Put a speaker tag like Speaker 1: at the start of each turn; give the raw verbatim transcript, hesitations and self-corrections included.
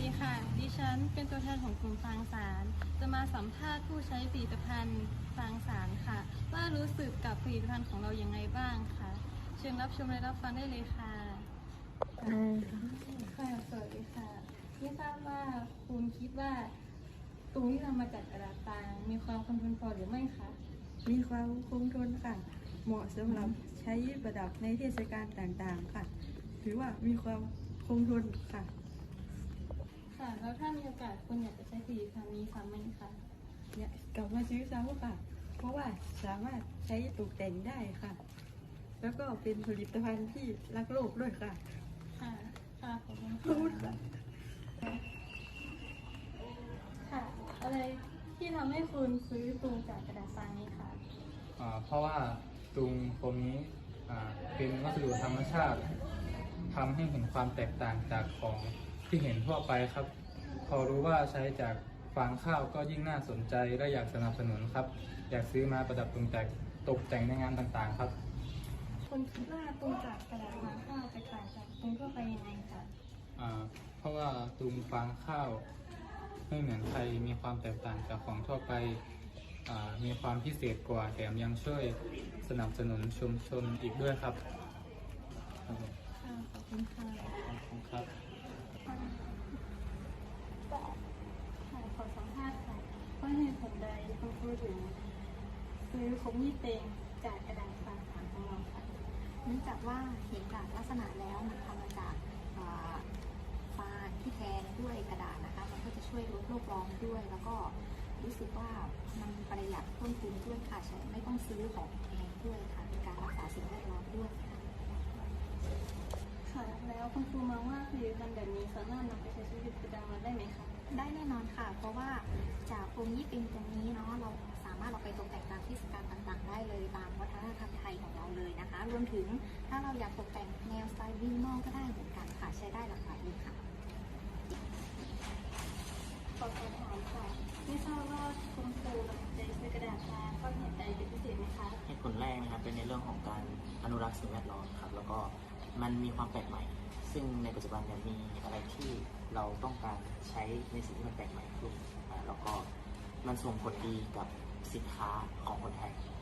Speaker 1: ดีค่ะดิฉันเป็นตัวแทนของกลุ่มฟางสารจะมาสัมภาษณ์ผู้ใช้ผลิตภัณฑ์ฟางสารค่ะว่ารู้สึกกับผลิตภัณฑ์ของเราอย่างไรบ้างค่ะเชิญรับชมและรับฟังได้เลยค่ะค่ะสวัสดีค่ะไม่ทราบว่าคุณคิดว่าตุงที่ทำมาจากกระดาษฟางมีความคงทนพอหรือไม่คะ
Speaker 2: มีความคงทนค่ะเหมาะสำหรับใช้ประดับในเทศกาลต่างๆค่ะถือว่ามีความคงทนค่ะ
Speaker 1: ค่ะแล้วถ้ามีโอกาสคุณอยากจะใช้ผลิตภัณฑ์นี้ซ้ำไหมคะ
Speaker 2: อยากกลับมาซื้อซ้ำค่ะเพราะว่าสามารถใช้ตกแต่งได้ค่ะแล้วก็เป็นผลิตภัณฑ์ที่รักโลกด้วยค่ะ
Speaker 1: ค่ะค่ะขอบคุณ
Speaker 2: พูดค่ะ
Speaker 1: ค่ะอะไรที่ทำให้คุณซื้อตุงจากกระดาษทรายนี้คะ
Speaker 3: อ่าเพราะว่าตุงโฟมนี้อ่าเป็นวัสดุธรรมชาติทำให้เห็นความแตกต่างจากของที่เห็นทั่วไปครับ พอรู้ว่าใช้จากฟางข้าวก็ยิ่งน่าสนใจและอยากสนับสนุนครับ อยากซื้อมาประดับตกแต่งตกแต่งในงานต่างๆครับ
Speaker 1: คุณคิดว่าตุงจากกระดาษฟางข้าวจะต่างจากตุงทั่วไปยังไงคะ
Speaker 3: อ่าเพราะว่าตุงฟางข้าวไม่เหมือนใครมีความแตกต่างจากของทั่วไปอ่ามีความพิเศษกว่าแถมยังช่วยสนับสนุนชุมชนอีกด้วยครับครับผม
Speaker 1: ค่ะขอบคุณค่ะ
Speaker 3: ขอบคุณครับ
Speaker 1: ค่ะขอสัมภาษณ์ค่ะว่าเหตุผลใดคุณครูถึงซื้อคมยี่เต็งจากกระดาษฟางสารของเราค่ะ
Speaker 4: เนื่องจากว่าเห็นจากลักษณะแล้วมันทำมาจากอ่าฟางที่แทนด้วยกระดาษนะคะ มันก็จะช่วยลดโลกร้อนด้วย แล้วก็รู้สึกว่ามันประหยัดต้นทุนด้วยค่ะใช้ไม่ต้องซื้อของแพงด้วยค่ะในการรักษาสิ่งแวดล้อมด้วยค่ะ
Speaker 1: ค่ะแล้วคุณครูมองว่าผลิตภัณฑ์แบบนี้สามารถนำไปใช้ชีวิตประจำวันได้ไหมคะ
Speaker 4: ได้แน่นอนค่ะ เพราะว่าจากโฟมยี่ปิงตรงนี้เนาะเราสามารถเอาไปตกแต่งตามเทศกาลต่างๆ ได้เลยตามวัฒนธรรมไทยของเราเลยนะคะ รวมถึงถ้าเราอยากตกแต่งแนวสไตล์วินมอลก็ได้เหมือนกันค่ะใช้ได้หลากหลายเลยค่ะ
Speaker 1: ขอสอบถามค่ะไม่ทราบว่าคุณครูตัดสินใจซื้อกระดาษมาเพราะเหตุใดเป็นพิเศษไหมคะ
Speaker 5: เหตุผลแรกนะครับเป็นในเรื่องของการอนุรักษ์สิ่งแวดล้อมครับแล้วก็มันมีความแปลกใหม่ ซึ่งในปัจจุบันเนี่ยมีอะไรที่เราต้องการใช้ในสิ่งที่มันแปลกใหม่ขึ้นอ่าแล้วก็มันส่งผลดีกับสินค้าของคนไทย